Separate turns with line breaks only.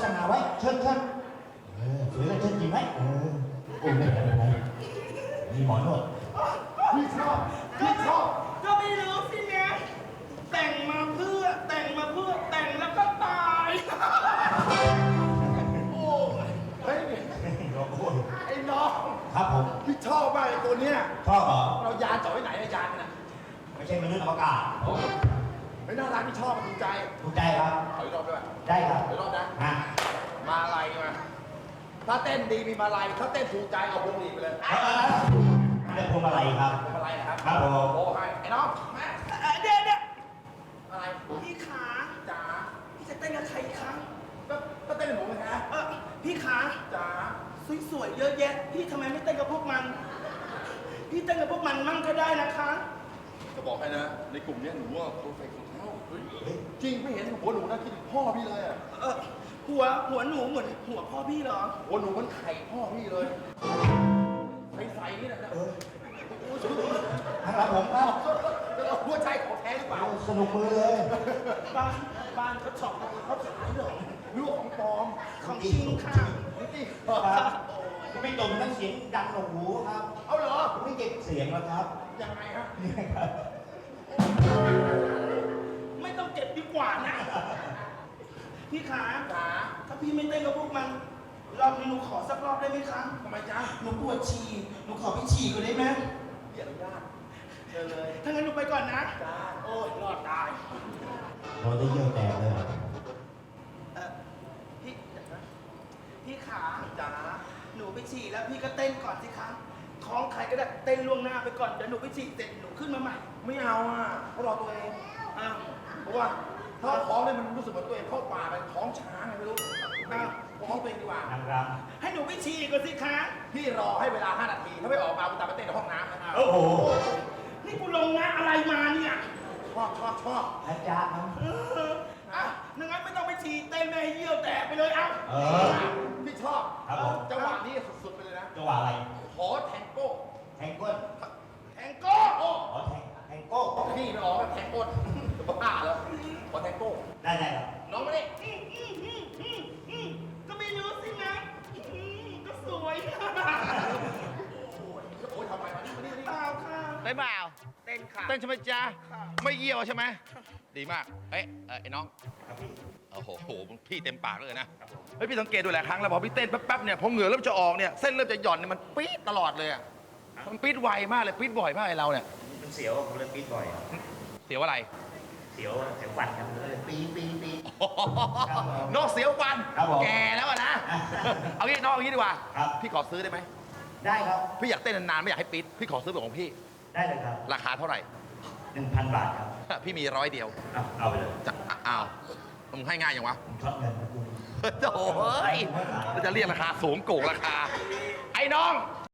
ษณาไว้เชิญสวยเลยเชิญจริงไหมโอ้ไม่เป็นไรมีหมอนวด
พี่ชอบ
ก็ไม่รู้สิเนี่ยแต่งมาเพื่อแต่งแล้วก็ตาย
โอ้เฮ้ยไอ้น้อง
ครับผม
พี่ชอบมากไอ้ตัวเนี้ย
ชอบเหรอ
เรายานจ่อไว้ไหนอะยานน่ะ
ไม่ใช่มนุษย์อวกาศ
ไอ้น่ารักพี่ชอบมันถูกใจ
ถูกใจครับ
ขออีกรอบด้วย
ได้ครับ
ขออีกรอบนะ
ฮะ
มาลัยมาถ้าเต้นดีมีมาลัยถ้าเต้นถูกใจเอาพวงหลีดไปเลย
เรื่องพวงมาลัยครับ
พวงมาลัยนะครับ
ครับผม
โอ้ให้ไอ้น้องมา
เดี๋ยว
อะไร
พี่ขา
จ๋า
พี่จะเต้นกับใครอีกครั้ง
ก็เต้นกับผมเลยนะ
พี่ขา
จ๋า
สวยๆเยอะแยะพี่ทำไมไม่เต้นกับพวกมัน พี่เต้นกับพวกมันมั่งก็ได้นะคะ
จะบอกให้นะในกลุ่มเนี้ยหนูว่าเพอร์เฟกต์ของเขาจริงไม่เห็นหัวหนูนะคิดถึงพ่อพี่เลยอะ
หัวหนูเหมือนหัวพ่อพี่เหรอ
หัวหนูมันไข่พ่อพี่เลยใสๆนี่แหละนะ
ทางหลังผมครับ
แล้วหัวใจของแท้หรือเปล่า
สนุกมือเลย
บ้านเขาช็อปเขาขายเหรอ
หรือว่าของปลอม
ของจริงค่ะ
นี่สิ
ครับไม่ตรงทั้งเสียงดังหนวกหูครับ
เอาเหรอ
ไม่เก็บเสียงแล้วครับ
ยังไงฮะ
นี่ครับ
ไม่ต้องเก็บดีกว่านะ พี่ขา
จ๋า
ถ้าพี่ไม่เต้นกับพวกมันรอบนี้หนูขอสักรอบได้ไหมคะ
ทำไมจ๊ะ
หนูปวดฉี่หนูขอไปฉี่ก่อนได้ไหม
พี่อนุญาตเชิญเลย
ถ้างั้นหนูไปก่อนนะ
จ้า
โอ้ยรอดตาย
เราได้เยี่ยวแตกเลย
พี่เดี๋ยวนะพี่ขา
จ๋า
หนูไปฉี่แล้วพี่ก็เต้นก่อนสิคะท้องใครก็ได้เต้นล่วงหน้าไปก่อนเดี๋ยวหนูไปฉี่เสร็จหนูขึ้นมาใหม่
ไม่เอาอ่ะเพราะรอตัวเอง
อ้าว
เพราะว่าถ้าท้องเลยมันรู้สึกเหมือนตัวเองเข้าป่าไปท้องช้างไงไม่รู้
อ้าว
ท้องตัวเองดีกว่า
นางร
ให้หนูไปฉี่ก่อนสิคะ
พี่รอให้เวลา 5 นาที ถ้าไม่ออกมาคุณตามไปเต้นในห้องน้ำนะครับ
ำโอ้โห
นี่กูลงนะอะไรมาเนี่ย
ชอบ
อาจารย์ครับ
อ่ะงั้นไม่ต้องไปฉี่เต้นไม่ให้เยี่ยวแตกไปเลยเอ้า
พี่ชอบ
ครับผม
จังหวะนี้สุดๆไปเลยนะ
จังหวะอะไร
ขอแทงโก้
แทงก้น
แทงโก้
โอ้
ขอแทงโก้
พี่ไม่ออกแทงโก้บ้าแล้วขอแทงโก้
ได้ครับ
น้องมาดิ
ก็ไม่รู้สินะก็สวย
โอ้ยทำไมมานี่
เปล่าค่ะ
ได้เปล่า
เต้นค่ะ
เต้นใช่ไหมจ๊ะ
ค่ะ
ไม่เยี่ยวใช่ไหมดีมากเอ้ยไอ้น้อง
ครับพี่
โอ้โหพี่เต็มปากเลยนะเฮ้ยพี่สังเกตดูหลายครั้งแล้วพอพี่เต้นแป๊บๆเนี่ยพอเหงื่อเริ่มจะออกเนี่ยเส้นเริ่มจะหย่อนเนี่ยมันปี๊ดตลอดเลยอ่ะมันปี๊ดไวมากเลยปี๊ดบ่อยมากไอ้เราเนี่ย
มันเสียวผมเลยปีดบ่อย
เสียวอะไร
เสียวฟันกันเลยปี
นอกเสียวฟัน
ครับผม
แก่แล้วอะนะ เอางี้น้องเอางี้ดีกว่า
ครับ
พี่ขอซื้อได้ไหม
ได้ครับ
พี่อยากเต้นนานๆไม่อยากให้ปี๊ดพี่ขอซื้อเป็นของพี่
ได้เลยครับ
ราคาเท่าไหร่
1,000 บาทครับ
พี่มี100 เดียว
เอาไปเลย
จะอ้าวมึงให้ง่ายยังวะ
ผมช็อตเงินนะคุณ
โอ้ยเราจะเรียกราคาสูงโกงราคา ไอ้น้อง